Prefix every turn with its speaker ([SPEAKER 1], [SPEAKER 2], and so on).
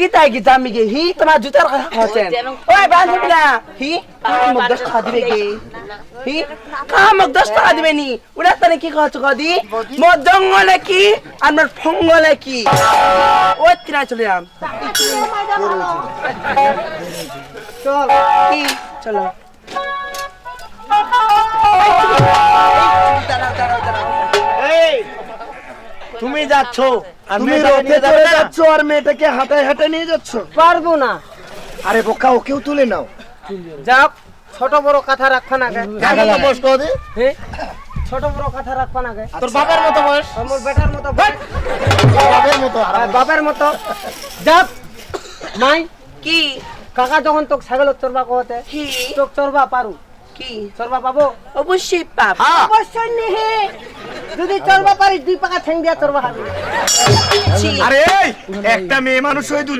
[SPEAKER 1] কি তাই কি জামি গে হি তোমার জুতার কথা খাচ্ছেন ওই বান্ধব না হি মোক 10 টাকা দিবে গে হি মোক 10 টাকা দিবে নি ওরা তানে কি খাচ্ছ কদি মোর জঙ্গলে কি আর মোর ফঙ্গলে কি ওই কিনা চলে যাম চল কি চলো
[SPEAKER 2] এই তুমি যাচ্ছ তুমি রথে চড়ে যাচ্ছ আর মেয়েটাকে হাঁটায় হাঁটায় নিয়ে যাচ্ছ
[SPEAKER 1] পারবো না
[SPEAKER 2] আরে বোকা ওকেও তুলে নাও
[SPEAKER 1] যাও ছোট বড় কথা রাখবা না গে
[SPEAKER 2] বস কদি
[SPEAKER 1] হ্যাঁ ছোট বড় কথা রাখবা না গে
[SPEAKER 2] তোর বাবার মতো বয়স
[SPEAKER 1] আমার বেটার মতো বল
[SPEAKER 2] বাবার মতো
[SPEAKER 1] বাবার মতো যাব মাই কি কাকা যখন তোক ছাগল চরবা কহতে কি তোক চরবা পারু কি চরবা পাবো অবশ্যই পাব অবশ্যই নেহে যদি চরবা পারিস দুই পাকা ঠ্যাং দিয়া চরবা খাবি
[SPEAKER 2] আরে একটা মেয়ে মানুষ হয়ে